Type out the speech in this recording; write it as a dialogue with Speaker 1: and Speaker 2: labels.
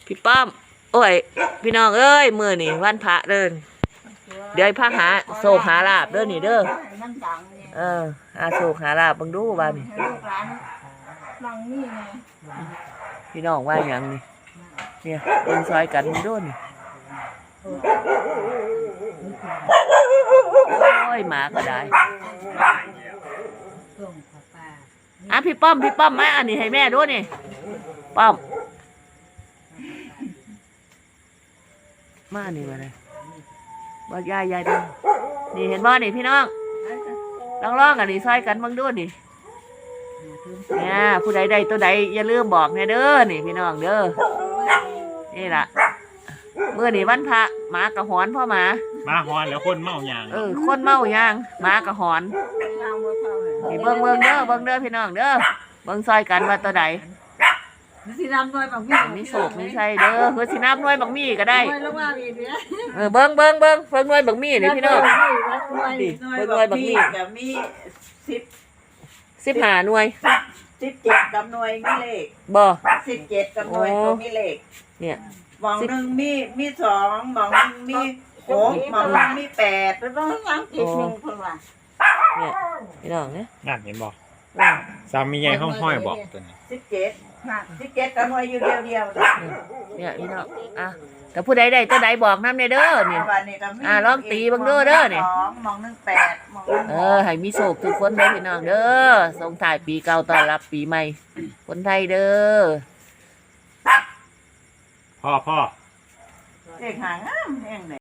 Speaker 1: พี่ป้อมโอ้ยพี่น้องเอ้ยมื้อนี่วันพระเด้อเดี๋ยวพระหาโศกหาลาบเด้อนี่เด้อหาโศกหาลาบเบิ่งดูว่านี่
Speaker 2: ลูกหลานนั่งนี่ไง
Speaker 1: พี่น้องว่าหยังนี่เนี่ยเบิ่งซอยกันเบิ่งดูนี่โอ้ยหมาก็ได้พี่ป้อมมาอันนี้ให้แม่ดูนี่ป้อมมานี่มาเลยบอกยายดูนี่เห็นบ่นี่พี่น้องลองอันนี้ซอยกันเบิ่งดูนี่เนี่ยผู้ใดได้ตัวใดอย่าลืมบอกเนี่ยเด้อนี่พี่น้องเด้อนี่ล่ะเมื่อนี่วันพระหมากระหอนพ่อหมา
Speaker 3: หอนแล้วคนเมายาง
Speaker 1: คนเมายางหมากระหอนนี่เบิ่งเด้อพี่น้องเด้อเบิ่งซอยกันว่าตัวใด
Speaker 2: สิน้ำน้อยบางมี่
Speaker 1: มีโศกมีใช่เด้อคือสิน้ำน้อยบางมี่ก็ได้
Speaker 2: น้อยลงมาอีกเนี่ย
Speaker 1: เบิ่งน้อยบางมี่นี่พี่น้องน้อยบางมี่
Speaker 4: กับมี
Speaker 1: 15หน่วย
Speaker 4: 17กับหน่วยมีเลข
Speaker 1: บ่
Speaker 4: 17กับหน่วยก็มีเลข
Speaker 1: เนี่ย
Speaker 4: หม่องหนึ่งมี2หม่องหนึ่งมี6หม่องหนึ่งมี8
Speaker 2: แล้วต้องล้างอีกหนึ่งคนว่ะ
Speaker 1: เนี่ยพี่น้องเนี่ย
Speaker 3: นั่นเห็นบอกสามีใหญ่ห้องห้อยบอกตัวนี้
Speaker 4: 17กับหน่วยอยู่เดียว
Speaker 1: เนี่ยพี่น้องแต่ผู้ใดได้ตัวใดบอกน้ำเนี่ยเด้อเนี่ยลองตีบังเด้อเนี่ย
Speaker 4: หม่องหนึ่ง8หม่องหนึ่ง
Speaker 1: ให้มีโศกทุกคนเลยพี่น้องเด้อส่งท้ายปีเก่าต้อนรับปีใหม่คนไทยเด้อ
Speaker 3: พ่อ
Speaker 4: เลขหางามแห่งไหน